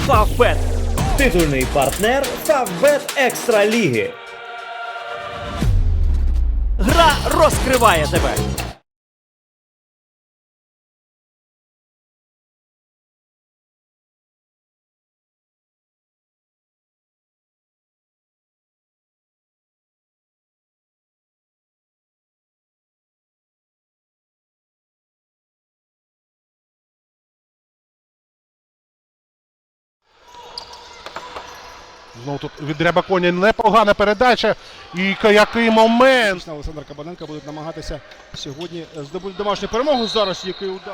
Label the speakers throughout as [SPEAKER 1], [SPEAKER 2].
[SPEAKER 1] Фавбет. Титульний партнер Фавбет Екстра Ліги. Гра розкриває тебе.
[SPEAKER 2] Знову тут від Рябаконя непогана передача. І який момент.
[SPEAKER 3] Олександр Кабаненко буде намагатися сьогодні здобути домашню перемогу. Зараз який удар.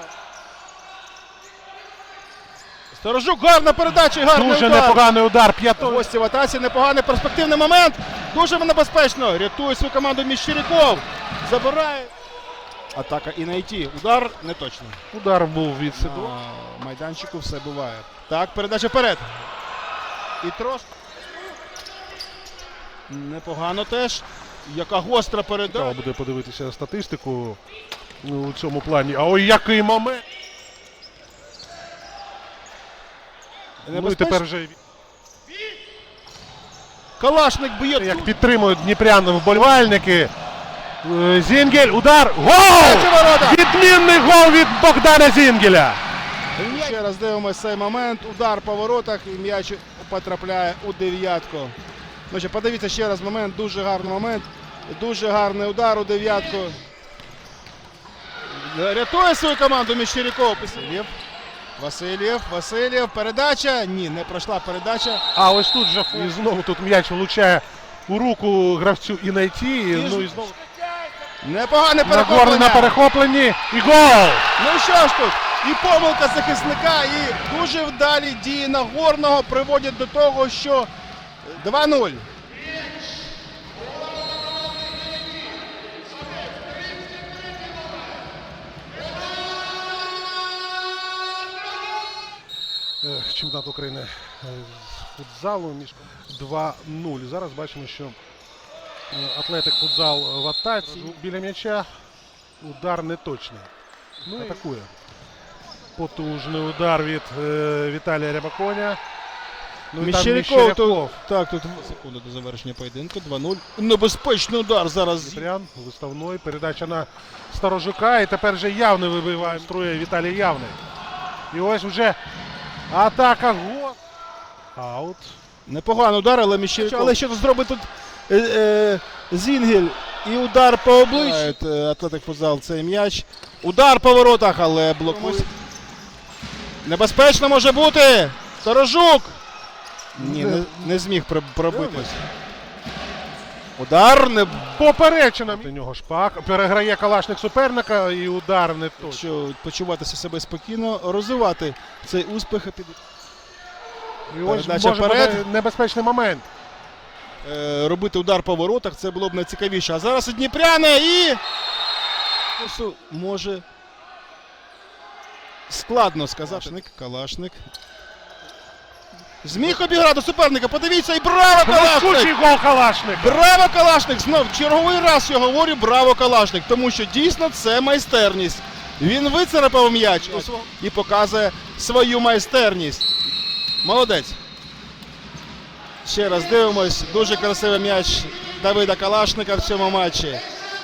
[SPEAKER 3] Сторожук, гарна передача і гарний
[SPEAKER 2] Дуже
[SPEAKER 3] удар.
[SPEAKER 2] непоганий удар.
[SPEAKER 3] Гості в атаці, непоганий перспективний момент. Дуже небезпечно. Рятує свою команду Міщеряков. Забирає. Атака і найти. Удар не точно.
[SPEAKER 2] Удар був від Сидорова.
[SPEAKER 3] На майданчику все буває. Так, передача вперед. І трошки. Непогано теж. Яка гостра передача.
[SPEAKER 2] Цікаво буде подивитися статистику у цьому плані. А ой, який момент. Ну і тепер вже
[SPEAKER 3] Калашник б'є.
[SPEAKER 2] як підтримують дніпряни вболівальники. Зінгель, удар, гол! Відмінний гол від Богдана Зінгеля.
[SPEAKER 3] Ще раз дивимося цей момент. Удар по воротах і м'яч потрапляє у дев'ятку. Ну, ще подивіться ще раз момент. Дуже гарний момент. Дуже гарний удар у дев'ятку. Рятує свою команду Міщеряков. Васильєв. Передача. Ні, не пройшла передача.
[SPEAKER 2] А ось тут же і знову тут м'яч влучає у руку гравцю і найти. Ну і знову
[SPEAKER 3] Непогане
[SPEAKER 2] Нагорний
[SPEAKER 3] перехоплення.
[SPEAKER 2] на перехопленні. І гол!
[SPEAKER 3] Ну що ж тут? І помилка захисника, і дуже вдалі дії Нагорного приводять до того, що 2-0.
[SPEAKER 2] Чемпіонат України з футзалу між 2-0. Зараз бачимо, що Атлетик футзал в атаці. Біля м'яча удар не точний. Ну, атакує. Потужний удар від Віталія Рябаконя. Ну, і там Міщеряков.
[SPEAKER 3] Так, тут секунду до завершення поєдинку. 2-0. Небезпечний удар зараз.
[SPEAKER 2] Дніпрян, виставної. Передача на Сторожука. І тепер вже Явний вибиває. Струє Віталій Явний. І ось вже атака. Гол. Аут.
[SPEAKER 3] Непоганий удар, але Міщеряков. Але що тут зробить тут Зінгель і удар по обличчю. Атлетик футзал цей м'яч. Удар по воротах, але блокує. Небезпечно може бути. Сторожук. Ні, не зміг пробитись. Удар не
[SPEAKER 2] Поперечина. До нього Шпак. Переграє Калашник суперника і удар не точно.
[SPEAKER 3] що почуватися себе спокійно, розвивати цей успіх.
[SPEAKER 2] І ось
[SPEAKER 3] Передача
[SPEAKER 2] може
[SPEAKER 3] вперед.
[SPEAKER 2] бути небезпечний момент.
[SPEAKER 3] Робити удар по воротах, це було б найцікавіше. А зараз і Дніпряне і може складно сказати. Калашник. Зміг обіграти суперника, подивіться, і браво,
[SPEAKER 2] Блискучий
[SPEAKER 3] Калашник!
[SPEAKER 2] гол Калашника.
[SPEAKER 3] Браво, Калашник! Знов черговий раз я говорю браво, Калашник, тому що дійсно це майстерність. Він вицарапав м'яч і показує свою майстерність. Молодець. Ще раз дивимось, дуже красивий м'яч Давида Калашника в цьому матчі.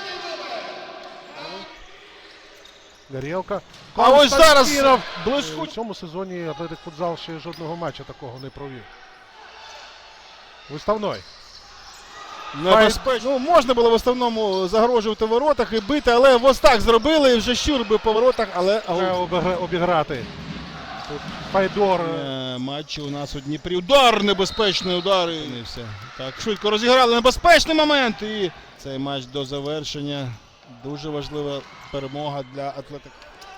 [SPEAKER 2] Горілка.
[SPEAKER 3] А ось зараз
[SPEAKER 2] Константинов.
[SPEAKER 3] блискучий.
[SPEAKER 2] У цьому сезоні Атлетик футзал ще жодного матчу такого не провів. Виставной.
[SPEAKER 3] Небезпечно. Ну, можна було в основному загрожувати в воротах і бити, але ось так зробили, і вже щур би по воротах, але
[SPEAKER 2] Треба обіграти. Тут Файдор.
[SPEAKER 3] матчі у нас у Дніпрі. Удар, небезпечний удар. І все. Так, швидко розіграли небезпечний момент. І цей матч до завершення. Дуже важлива перемога для Атлетика.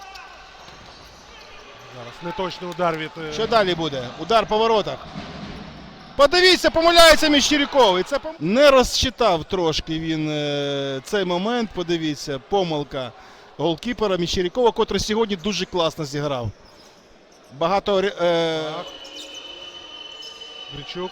[SPEAKER 2] Зараз неточний удар від...
[SPEAKER 3] Що далі буде? Удар по воротах. Подивіться, помиляється Міщеряков. І це не розчитав трошки він цей момент. Подивіться, помилка голкіпера Міщерякова, котрий сьогодні дуже класно зіграв. Багато...
[SPEAKER 2] Гричук.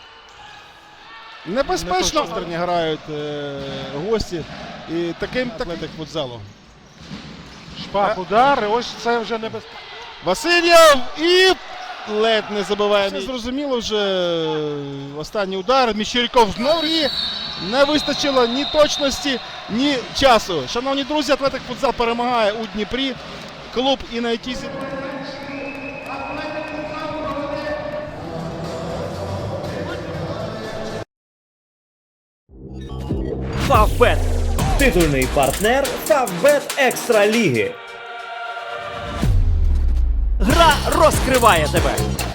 [SPEAKER 3] Небезпечно грають гості. І таким Атлетик футзалу.
[SPEAKER 2] Шпак удар. І ось це вже небезпечно.
[SPEAKER 3] Васильєв і ледь не забиває. Все зрозуміло вже. Останній удар. Міщеряков знову і не вистачило ні точності, ні часу. Шановні друзі, Атлетик Футзал перемагає у Дніпрі. Клуб Інайтізі.
[SPEAKER 1] Фавбет. Титульний партнер Фавбет Екстра Ліги. Гра розкриває тебе.